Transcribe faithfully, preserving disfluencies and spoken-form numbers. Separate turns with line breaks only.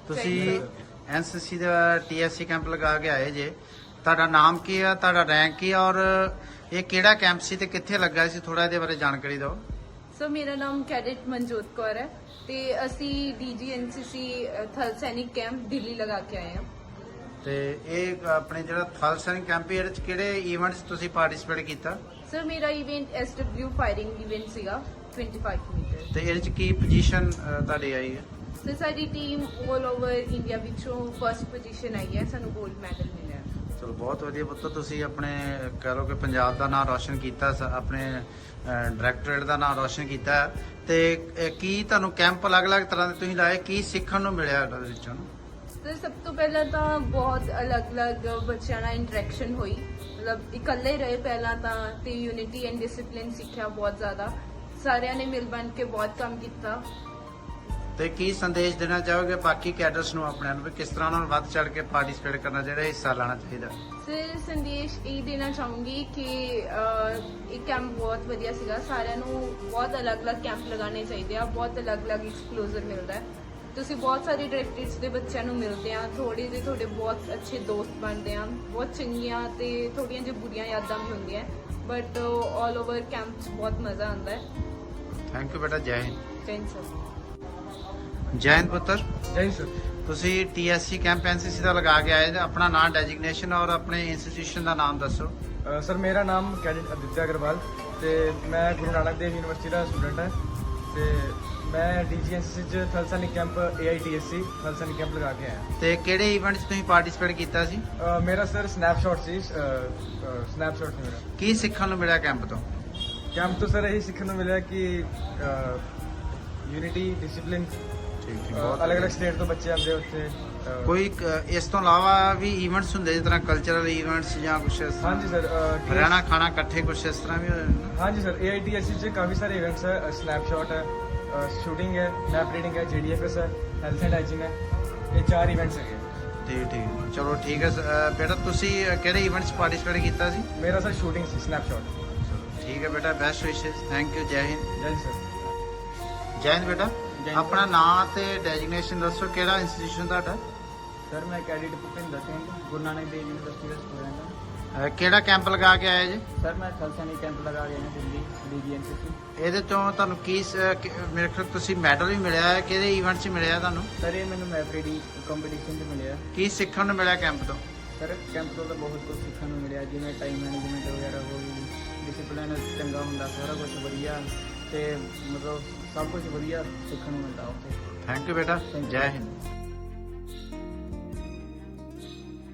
ਤੁਸੀਂ ਐਨਸੀਸੀ ਦਾ ਟੀਐਸਸੀ ਕੈਂਪ ਲਗਾ ਕੇ ਆਏ ਜੇ। ਤੁਹਾਡਾ ਨਾਮ ਕੀ ਆ, ਤੁਹਾਡਾ ਰੈਂਕ ਕੀ ਆ, ਔਰ ਇਹ ਕਿਹੜਾ ਕੈਂਪ ਸੀ ਤੇ ਕਿੱਥੇ ਲੱਗਾ ਸੀ? ਥੋੜਾ ਇਹਦੇ ਬਾਰੇ ਜਾਣਕਾਰੀ ਦਿਓ।
ਸੋ ਮੇਰਾ ਨਾਮ ਕੈਡਿਟ ਮਨਜੋਤ ਕੌਰ ਹੈ ਤੇ ਅਸੀਂ ਡੀਜੀ ਐਨਸੀਸੀ ਥਲ ਸੈਨਿਕ ਕੈਂਪ ਦਿੱਲੀ ਲਗਾ ਕੇ ਆਏ ਹਾਂ।
ਤੇ ਇਹ ਆਪਣੇ ਜਿਹੜਾ ਥਲ ਸੈਨਿਕ ਕੈਂਪ ਇਹਦੇ ਚ ਕਿਹੜੇ ਇਵੈਂਟਸ ਤੁਸੀਂ ਪਾਰਟਿਸਿਪੇਟ ਕੀਤਾ?
ਸਰ ਮੇਰਾ ਇਵੈਂਟ ਐਸਡਬਲਯੂ ਫਾਇਰਿੰਗ ਇਵੈਂਟ ਸੀਗਾ ਪੱਚੀ ਮੀਟਰ।
ਤੇ ਇਹਦੇ ਚ ਕੀ ਪੋਜੀਸ਼ਨ ਤੁਹਾਡੀ ਆਈ ਹੈ?
ਸਰ ਸਾਡੀ ਟੀਮ 올 ਓਵਰ ਇੰਡੀਆ ਵਿੱਚੋਂ ਫਰਸਟ ਪੋਜੀਸ਼ਨ ਆਈ ਹੈ, ਸਾਨੂੰ 골ਡ ਮੈਡਲ ਮਿਲਿਆ।
ਚਲੋ ਬਹੁਤ ਵਧੀਆ ਪੁੱਤਰ, ਤੁਸੀਂ ਆਪਣੇ ਕਹਿ ਲਓ ਕਿ ਪੰਜਾਬ ਦਾ ਨਾਮ ਰੌਸ਼ਨ ਕੀਤਾ, ਸ- ਆਪਣੇ ਡਾਇਰੈਕਟੋਰੇਟ ਦਾ ਨਾਮ ਰੌਸ਼ਨ ਕੀਤਾ। ਤੇ ਇਹ ਕੀ ਤੁਹਾਨੂੰ ਕੈਂਪ ਅਲੱਗ-ਅਲੱਗ ਤਰ੍ਹਾਂ ਦੇ ਤੁਸੀਂ ਲਾਏ, ਕੀ ਸਿੱਖਣ ਨੂੰ ਮਿਲਿਆ ਇਹਨਾਂ ਦੇ ਵਿੱਚੋਂ?
ਸਰ ਸਭ ਤੋਂ ਪਹਿਲਾਂ ਤਾਂ ਬਹੁਤ ਅਲੱਗ-ਅਲੱਗ ਬੱਚਿਆਂ ਨਾਲ ਇੰਟਰੈਕਸ਼ਨ ਹੋਈ, ਮਤਲਬ ਇਕੱਲੇ ਰਹੇ ਪਹਿਲਾਂ ਤਾਂ, ਤੇ ਯੂਨਿਟੀ ਐਂਡ ਡਿਸਪਲਿਨ ਸਿੱਖਿਆ ਬਹੁਤ ਜ਼ਿਆਦਾ। ਸਾਰਿਆਂ ਨੇ ਮਿਲ ਬਣ ਕੇ ਬਹੁਤ ਕੰਮ ਕੀਤਾ।
ਤੇ ਕੀ ਸੰਦੇਸ਼ ਦੇਣਾ ਚਾਹੋਗੇ ਬਾਕੀ ਕੈਡਰਸ ਨੂੰ ਆਪਣਿਆਂ ਨੂੰ ਵੀ ਕਿਸ ਤਰ੍ਹਾਂ ਉਹਨਾਂ ਨੂੰ ਵੱਧ ਚੜ ਕੇ ਪਾਰਟਿਸਿਪੇਟ ਕਰਨਾ ਚਾਹੀਦਾ, ਹਿੱਸਾ ਲੈਣਾ ਚਾਹੀਦਾ?
ਸਰ ਸੰਦੇਸ਼ ਇਹ ਦੇਣਾ ਚਾਹੂੰਗੀ ਕਿ ਅਹ, ਇਹ ਕੈਂਪ ਬਹੁਤ ਵਧੀਆ ਸੀਗਾ। ਸਾਰਿਆਂ ਨੂੰ ਬਹੁਤ ਅਲੱਗ-ਅਲੱਗ ਕੈਂਪ ਲਗਾਉਣੇ ਚਾਹੀਦੇ ਆ, ਬਹੁਤ ਅਲੱਗ-ਅਲੱਗ ਐਕਸਪਲੋਜ਼ਰ ਮਿਲਦਾ ਹੈ। ਤੁਸੀਂ ਬਹੁਤ ਸਾਰੇ ਡਾਇਰੈਕਟਰੇਟਸ ਦੇ ਬੱਚਿਆਂ ਨੂੰ ਮਿਲਦੇ ਆ, ਥੋੜੇ ਜਿਹੇ ਤੁਹਾਡੇ ਬਹੁਤ ਅੱਛੇ ਦੋਸਤ ਬਣਦੇ ਆ, ਬਹੁਤ ਚੰਗੀਆਂ ਤੇ ਥੋੜੀਆਂ ਜਿਹੀ ਬੁਰੀਆਂ ਯਾਦਾਂ ਵੀ ਹੁੰਦੀਆਂ, ਬਟ ਆਲ ਓਵਰ ਕੈਂਪ 'ਚ ਬਹੁਤ ਮਜ਼ਾ ਆਉਂਦਾ ਹੈ।
ਥੈਂਕ ਯੂ ਬੇਟਾ, ਜੈ ਹਿੰਦ।
Thank sir.
ਜੈ ਹਿੰਦ ਪੁੱਤਰ,
ਜੈ ਹਿੰਦ ਸਰ।
ਤੁਸੀਂ ਟੀਐਸਸੀ ਕੈਂਪ ਐਨਸੀਸੀ ਦਾ ਲਗਾ ਕੇ ਆਏ ਜੇ। ਆਪਣਾ ਨਾਮ, ਡੈਜਿਗਨੇਸ਼ਨ ਔਰ ਆਪਣੇ ਇੰਸਟੀਟਿਊਸ਼ਨ ਦਾ ਨਾਮ ਦੱਸੋ।
ਅ, ਸਰ ਮੇਰਾ ਨਾਮ ਕੈਡਿਟ ਅਦਿੱਤਿਆ ਅਗਰਵਾਲ ਤੇ ਮੈਂ ਗੁਰੂ ਨਾਨਕ ਦੇਵ ਯੂਨੀਵਰਸਿਟੀ ਦਾ ਸਟੂਡੈਂਟ ਹਾਂ ਤੇ ਮੈਂ ਡੀਜੀਐਨਸੀਸੀ ਚ ਥਲ ਸੈਨਿਕ ਕੈਂਪ ਏਆਈਟੀਐਸਸੀ ਥਲ ਸੈਨਿਕ ਕੈਂਪ ਲਗਾ ਕੇ ਆਇਆ।
ਤੇ ਕਿਹੜੇ ਇਵੈਂਟ 'ਚ ਤੁਸੀਂ ਪਾਰਟਿਸਿਪੇਟ ਕੀਤਾ ਸੀ?
ਅ, ਮੇਰਾ ਸਰ ਸਨੈਪਸ਼ਾਟ ਸੀ, ਸਨੈਪਸ਼ਾਟ ਸੀ ਮੇਰਾ।
ਕੀ ਸਿੱਖਣ ਨੂੰ ਮਿਲਿਆ ਕੈਂਪ ਤੋਂ?
ਕੈਂਪ ਤੋਂ ਸਰ ਇਹੀ ਸਿੱਖਣ ਨੂੰ ਮਿਲਿਆ ਕਿ ਯੂਨਿਟੀ, ਡਿਸਪਲਿਨ,
ਠੀਕ
ਅਲੱਗ-ਅਲੱਗ ਸਟੇਟ ਤੋਂ ਬੱਚੇ ਆਉਂਦੇ ਉੱਥੇ। ਅ,
ਕੋਈ ਕ- ਇਸ ਤੋਂ ਇਲਾਵਾ ਵੀ ਇਵੈਂਟਸ ਹੁੰਦੇ ਜਿਸ ਤਰ੍ਹਾਂ ਕਲਚਰਲ ਇਵੈਂਟਸ ਜਾਂ ਕੁਛ ਇਸ ਤਰ੍ਹਾਂ?
ਹਾਂਜੀ ਸਰ। ਅ,
ਹਰਿਆਣਾ ਖਾਣਾ ਇਕੱਠੇ ਕੁਛ ਇਸ ਤਰ੍ਹਾਂ ਵੀ ਹੋ ਜਾਂਦਾ?
ਹਾਂਜੀ ਸਰ, ਏਆਈਟੀਐਸਸੀ ਚ ਕਾਫੀ ਸਾਰੇ ਇਵੈਂਟਸ ਹੈ। ਸਨੈਪਸ਼ਾਟ ਹੈ, ਸ਼ੂਟਿੰਗ ਹੈ, ਮੈਪ ਰੀਡਿੰਗ ਹੈ, ਜੀਡੀਐਫਐਸ ਹੈ, ਹੈਲਥ ਐਂਡ ਹਾਈਜੀਨ ਹੈ। ਇਹ ਚਾਰ ਇਵੈਂਟਸ ਹੈਗੇ।
ਠੀਕ ਠੀਕ, ਚਲੋ ਠੀਕ ਹੈ। ਸ- ਅ, ਬੇਟਾ ਤੁਸੀਂ ਅ, ਕਿਹੜੇ ਇਵੈਂਟਸ ਪਾਰਟਿਸਿਪੇਟ ਕੀਤਾ ਸੀ?
ਮੇਰਾ ਸਰ ਸ਼ੂਟਿੰਗ ਸੀ, ਸਨੈਪਸ਼ਾਟ।
ਠੀਕ ਹੈ ਬੇਟਾ, ਬੈਸਟ ਵਿਸ਼ੇਸ। ਥੈਂਕ ਯੂ, ਜੈ ਹਿੰਦ।
ਜੈ ਹਿੰਦ ਸਰ।
ਜੈ ਹਿੰਦ ਬੇਟਾ,
ਜੈ ਹਿੰਦ।
ਆਪਣਾ ਨਾਮ ਤੇ ਡੈਜਿਗਨੇਸ਼ਨ ਦੱਸੋ, ਕਿਹੜਾ ਇੰਸਟੀਟਿਊਸ਼ਨ ਤੁਹਾਡਾ?
ਸਰ ਮੈਂ ਕੈਡਿਟ ਭੁਪਿੰਦਰ ਸਿੰਘ ਗੁਰੂ ਨਾਨਕ ਦੇਵ ਯੂਨੀਵਰਸਿਟੀ ਦਾ ਸਟੂਡੈਂਟ ਹਾਂ।
ਅ, ਕਿਹੜਾ ਕੈਂਪ ਲਗਾ ਕੇ ਆਏ ਜੀ?
ਸਰ ਮੈਂ ਥਲ ਸੈਨਿਕ ਕੈਂਪ ਲਗਾ ਗਿਆ ਹਾਂ ਦਿੱਲੀ ਡੀਜੀਐਨਸੀਸੀ।
ਇਹਦੇ ਤੋਂ ਤੁਹਾਨੂੰ ਕੀ ਸ- ਕਿ- ਮੇਰੇ ਖਿਆਲ ਤੁਸੀਂ ਮੈਡਲ ਵੀ ਮਿਲਿਆ ਹੈ, ਕਿਹੜੇ ਇਵੈਂਟ 'ਚ ਮਿਲਿਆ ਤੁਹਾਨੂੰ?
ਸਰ ਇਹ ਮੈਨੂੰ ਮੈਪ ਰੀਡਿੰਗ ਕੰਪੀਟੀਸ਼ਨ 'ਚ ਮਿਲਿਆ।
ਕੀ ਸਿੱਖਣ ਨੂੰ ਮਿਲਿਆ ਕੈਂਪ ਤੋਂ?
ਸਰ ਕੈਂਪ ਤੋਂ ਤਾਂ ਬਹੁਤ ਕੁਝ ਸਿੱਖਣ ਨੂੰ ਮਿਲਿਆ, ਜਿਵੇਂ ਟਾਈਮ ਮੈਨੇਜਮੈਂਟ ਵਗੈਰਾ ਹੋ ਗਈ, ਡਿਸਪਲਿਨ ਚੰਗਾ ਹੁੰਦਾ, ਸਾਰਾ ਕੁਝ ਵਧੀਆ ਤੇ ਮਤਲਬ ਸਭ ਕੁਝ ਵਧੀਆ ਸਿੱਖਣ ਨੂੰ ਮਿਲਦਾ ਉੱਥੇ।
ਥੈਂਕ ਯੂ ਬੇਟਾ,
Thank you.
ਜੈ ਹਿੰਦ।